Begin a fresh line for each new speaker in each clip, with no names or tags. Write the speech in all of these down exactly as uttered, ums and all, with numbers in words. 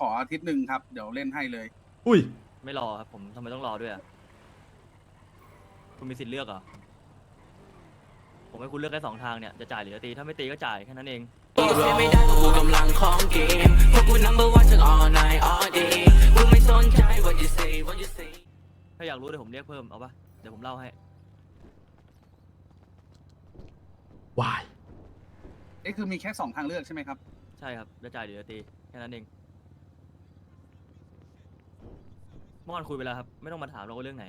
ออาทิตย์หนึ่งครับเดี๋ยวเล่นให้เลย
อุ้ย
ไม่รอครับผมทำไมต้องรอด้วยอ่ะคุณมีสิทธิ์เลือกเหรอผมให้คุณเลือกได้สองทางเนี่ยจะจ่ายหรือจะตีถ้าไม่ตีก็จ่ายแค่นั้นเองไม่ได้กูกำลังของเกมพวกกู number one ทั้ง all night all day กูไม่สนใจ what you say what you say ถ้าอยากรู้เดี๋ยวผมเรียกเพิ่มเอาปะเดี๋ยวผมเล่าให้
วาย
เอ้คือมีแค่สองทางเลือกใช่ไหมครับ
ใช่ครับจะจ่ายหรือจะตีแค่นั้นเองเมื่อวานคุยไปแล้วครับไม่ต้องมาถามเราว่าเรื่องไหน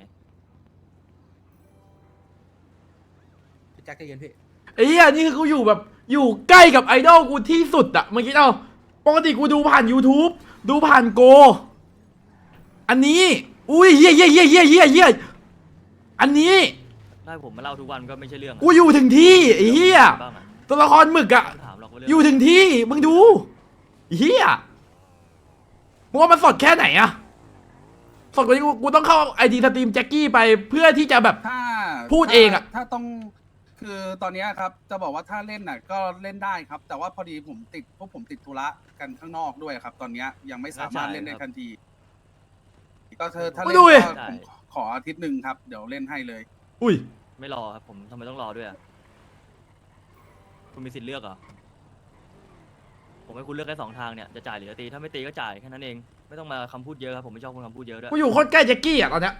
พี่แจ็คใจเย็นพี่
ไอ้เหี้ยนี่คือกูอยู่แบบอยู่ใกล้กับไอดอลกูที่สุดอะเมื่อกี้เอาปกติกูดูผ่าน YouTube ดูผ่านโกอันนี้อุ้ยเหี้ยเหี้ยเหี้ยเหี้ยเหี้ยเหี้ยอันนี้
ถ้าผมมาเล่าทุกวันก็ไม่ใช่เรื่อง
กูอยู่ถึงที่ไอ้เหี้ยตัวละครหมึกอะอยู่ถึงที่มึงดูเหี้ยมึงว่ามันสดแค่ไหนอะสดกว่านี้กูกูต้องเข้าไอดีสตรีมแจ็คกี้ไปเพื่อที่จะแบบ
ถ้า
พูดเองอะ
ถ้าต้องคือตอนนี้ครับจะบอกว่าถ้าเล่นน่ะก็เล่นได้ครับแต่ว่าพอดีผมติดพวกผมติดธุระกันข้างนอกด้วยครับตอนนี้ยังไม่สามารถเล่นได้ทันทีก็เธอถ้าเล่นก็ผมขออาทิตย์หนึ่งครับเดี๋ยวเล่นให้เลย
อุ้ย
ไม่รอครับผมทำไมต้องรอด้วยอ่ะคุณมีสิทธิ์เลือกเหรอผมให้คุณเลือกได้สองทางเนี่ยจะจ่ายหรือจะตีถ้าไม่ตีก็จ่ายแค่นั้นเองไม่ต้องมาคำพูดเยอะครับผมไม่ชอบคนคำพูดเยอะด้วย
กูอยู่โคตรใกล้แจ็คกี้อ่ะตอนเนี้ย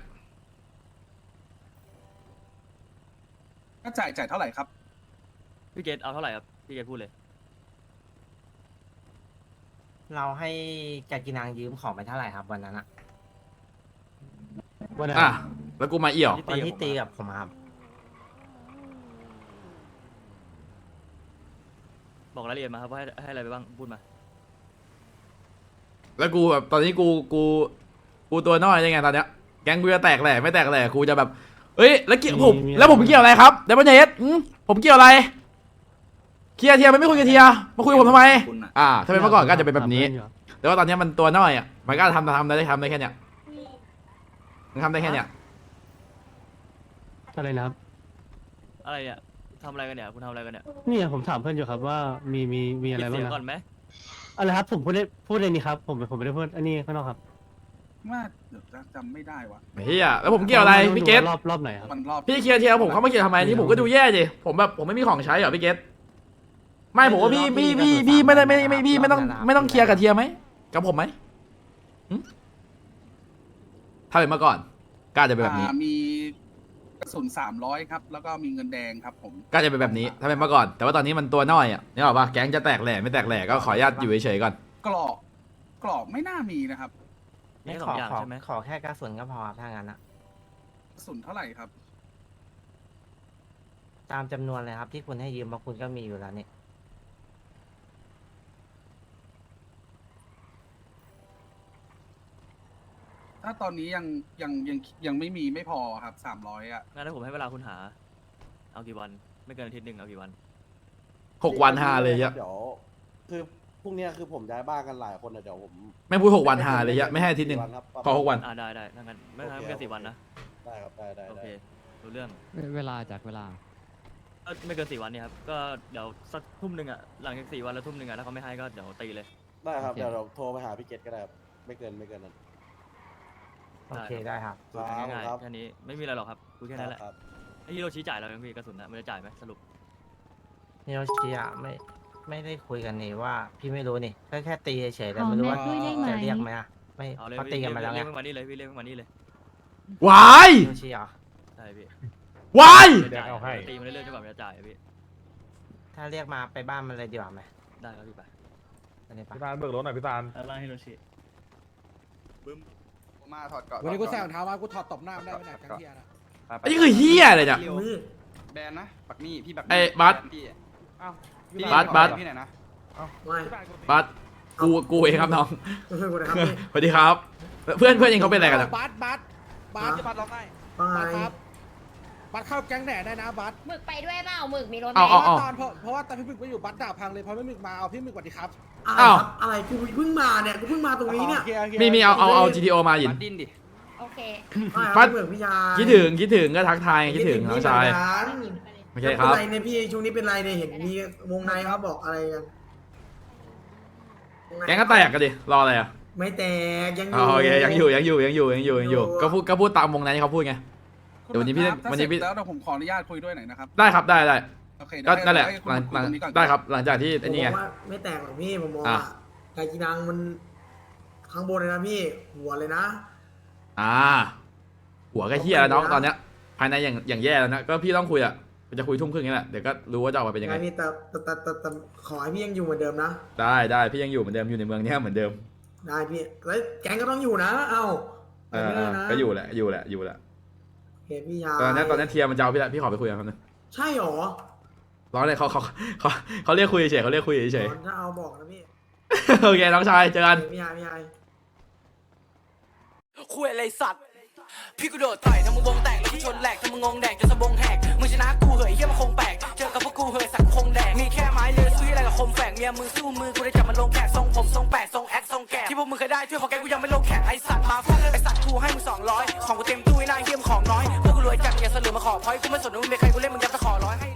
ก็จ่ายจ่ายเท่าไหร่ครับ
พี่เกตเอาเท่าไหร่ครับพี่เกตพูดเลย
เราให้แกกินางยืมของไปเท่าไหร่ครับวันนั้นอะ
วันนั้นอ่ะแล้วกูมาเอี่ยว
วันที่ตีกับผมครับ
บอกรายละเอียดมาครับว่าให้ให้อะไรไปบ้างพูดมา
แล้วกูแบบตอนนี้กูกูกูตัวน้อยยังไงตอนเนี้ยแก๊งกูจะแตกแหล่ไม่แตกแหล่กูจะแบบเอ้ยแล้วเกี่ยวผมแล้วผมเกี่ยวอะไรครับเดมอนเฮดผมเกี่ยวอะไรเคลียร์เทียร์มันไม่คุยกับเทียร์มาคุยกับผมทำไมอ่าถ้าเป็นเมื่อก่อนก็จะเป็นแบบนี้แต่ว่าตอนนี้มันตัวน้อยอ่ะมันก็ทำทำได้ทำได้แค่เนี้ยมันทำได้แค่เนี้ย
อะไรนะครับ
อะไรเนี่ยทำอะไรกันเนี่ยคุณทำอะไรกันเนี่ย
นี่ผมถามเพื่อนอยู่ครับว่ามีมีมีอะไรบ้างนะ
ก่อนไหม
อะไรครับผมพูดได้พูดเลยนี่ครับผมผมไม่ได้พูดอันนี้ข้างนอกครับ
ว่าจำไม่ได้วะ
เฮียแล้วผมเกี่ยวอะไรพี่เกต
รอบรอบไหนครับ
พี่เคลียร์เทียร์ผมเขาไม่เกี่ยวทำไมนี่ผมก็ดูแย่ดิผมแบบผมไม่มีของใช้เหรอพี่เกตไม่ผมว่าพี่พี่พี่พี่ไม่ได้ไม่ไม่พี่ไม่ต้องไม่ต้องเคลียร์กับเทียร์ไหมกับผมไหมถ้าเป็นเมื่อก่อนก็จะเป็นแบบนี้
มีกระสุนสามร้อยครับแล้วก็มีเงินแดงครับผม
ก็จะเป็นแบบนี้ถ้าเป็นเมื่อก่อนแต่ว่าตอนนี้มันตัวน้อยอ่ะนี่หรอปะแก๊งจะแตกแหล่ไม่แตกแหล่ก็ขออนุญาตอยู่เฉยๆก่อน
กรอบกรอบไม่น่ามีนะครับ
ไม่ขอขอขอแค่กระสุนก็พอถ้างั้นอะ
กระสุนเท่าไหร่ครับ
ตามจำนวนเลยครับที่คุณให้ยืมมาคุณก็มีอยู่แล้วนี่
ถ้าตอนนี้ยังยังยังยังไม่มีไม่พอครับสามร้อยอ่ะ
งั้นถ้าผมให้เวลาคุณหาเอากี่วันไม่เกินอาทิตย์หนึ่งเอากี่วัน
หกวันห้าเลยอะ
เดี๋ยวคือพรุ่งนี้คือผมย้ายบ้านกันหลายคนนะเดี๋ยวผม
ไม่พูดหกวันห้าเลยอะไม่ให้อาทิตย์หนึ่งพอหกวัน
อ่าได้ได้ถ้างั้นไม่งั้นไม่เกินสี่วันนะ
ได้ครับได้ได้
โอเครู้เรื่อง
เวลาจากเวลา
ไม่เกินสี่วันเนี่ยครับก็เดี๋ยวสักทุ่มหนึ่งอ่ะหลังจากสี่วันแล้วทุ่มหนึ่งอ่ะถ้าเขาไม่ให้ก็เดี๋ยวตีเลย
ได้ครับเดี๋ยวเราโทรไปหาพี่เกตก็ได้ไม่เกินไม่เกินนั้น
โอเคได้ครับ
ง่ายๆแค่นี้ไม่มีอะไรหรอกครับคุยแค่นั้นแหละไอ้ฮิโรชิจ่ายเรายังพี่กระสุนนะมันจะจ่ายไหมสรุป
ฮิโรชิอะไม่ไม่ได้คุยกันนี่ว่าพี่ไม่รู้นี่แค่แค่ตีเฉยๆแต่ไม่รู้ว่าจะเรียกไหมอะไม่เขาตีกันมาแล้วไง
เรียกมานี่เลยพี่เรียกมานี่เลยว
าย
ฮิโรชิเหรอ
ใช่พี่
วาย
ตีมันเรื่อยๆจนกว่ามันจะจ่ายพี่
ถ้าเรียกมาไปบ้านมันเลยดีกว่าไหม
ได้ครับพี่ไป
พี่ตาลเบิกรถหน่อยพี่ตาล
อะไรฮิโรชิ
บึ้ม
มาถอดก่อน
วันนี้กูใส่รองเท้ามากูถอดตบหน้าไม่ได้ไม่ได้ทั้งเทียนะ
อันนี้คือเฮียอะไรเนี่ย
แบนนะปักนี่พี่ปัก
ไอ้บัสบัสบัส
พี่ไหนนะ
บัสกูกูเองครับน้องสวัสดีครับเพื่อนเพื่อนเองเขาเป็นอะไรกันอ่ะ
บัสบัสบัสบัสร้องไห้บัสครับบัสเข้าแก๊งแหน่ได้นะบัส
หมึกไปด้วยเปล่าหมึกมีรถไหม
เพราะว่าตอนเพราะว่าตอนพี่หมึกไปอยู่บัสด่าพังเลยพอพี่หมึกมาเอาพี่หมึกสวัสดีครับ
อ้าว
อะไรกูเพิ่งมาเนี่ยกูเพิ่งมาตรงนี้เนี่ย
มีมีเอาเอาเอา จี ที โอ มาหยิน
ดิ้นดิ
โอเค
บัส
พี่ยา
คิดถึงคิดถึงก็ทักทายคิดถึงน้องชายโอเคครับ
เป็นไรเนี่ยพี่ช่วงนี้เป็นไรเนี่ยเห็นมีวงในเขาบอกอะไรกัน
แกงก็แตกกันดิรออะไรอ่ะ
ไม่แตกยังอ
อ๋อยู่ โอเคยังอยู่ยังอยู่ยังอยู่ยังอยู่ยังอยู่ก็พูดก็พูดตามวงในที่เขาพูดไง เดี๋ยววันนี้พี่
ครับถ้า
วันนี้พี่
เสร็จแล้วเดี๋ยวผมขออนุญาตคุยด้วยหน่อยนะครับ
ได้ครับได้ได้
โอเค
ก็
เดี๋ยว
นั่นแหละ
ให้คุณ
หลัง
คุ
หลั
ย
ง
ตรงนี้ก่อน
ได้ครับหลังจากที่
ผ
ไอ้
ม
นี่
บ
ไง
อกว่าไม่แตกหรอกพี่ผมมอง
อ่ะ
ว่าไกากีนังมันข้างบนเลยนะพี่หัวเลยนะ
อ่า หัวก็เฮียแล้วน้องตอนเนี้ยภายในอย่างอย่างแย่แล้วนะก็พี่ต้องคุยอ่ะจะคุยทุ่มครึ่งนี่แหละเดี๋ยวก็รู้ว่าจะออกมาเป็นยังไง
ไงพี่แต่แต่แต่แต่แต่ขอให้พี่ยังอยู่เหมือนเดิมนะ
ได้ได้พี่ยังอยู่เหมือนเดิมอยู่ในเมืองเนี้ยเหมือนเดิม
ได้พี่แล้วแก๊งก็ต้องอยู่นะ เอ้า
เออ
ไม่
เอ
ได้
อ
นะ
ก็อยู่แหละอยู่แหละอยู่แหละ
เห็นพี่ยา
ตอนนี้ตอนนี้เทียร์มันจะเอาพี่ละพี่ขอไปคุยกับเขาหน่อย
ใช่หรอ
ร้อนเลยเขาเขาเขาเขาเรียกคุยเฉยเขาเรียกคุยเฉย
ถ้าเอาบอกนะพี่
โอเคน้องชายเจอกัน
เห็นพี่ยาพี่ยา
คุยอะไรสัตว์ พี่กูโดดต่อยทำมึงวงแตกแล้วกูชนแหลกทำมึงงงแดกจนสะบงแหกมึงชนะกูเหยเฮียมันคงแปลกเจอกับพวกกูเหยสักคงแดกมีแค่ไม้เลือซื้ออะไรกับคมแฝกเมียมึงสู้มือกูได้จับมันลงแขกทรงผมทรงแปดทรงแอคทรงแกะที่พวกมึงเคยได้ช่วยของแกกูยังไม่ลงแขกไอสัตว์มาฟาดไอสัตว์กูให้มึงสองร้อยของกูเต็มตู้ไอ้หน้าเฮียมของน้อยพวกกูรวยจัดอย่าเสลือมาขอพอยกูไม่สนว่ามึงเป็นใครกูเล่นมึงยับตะขอร้อยให้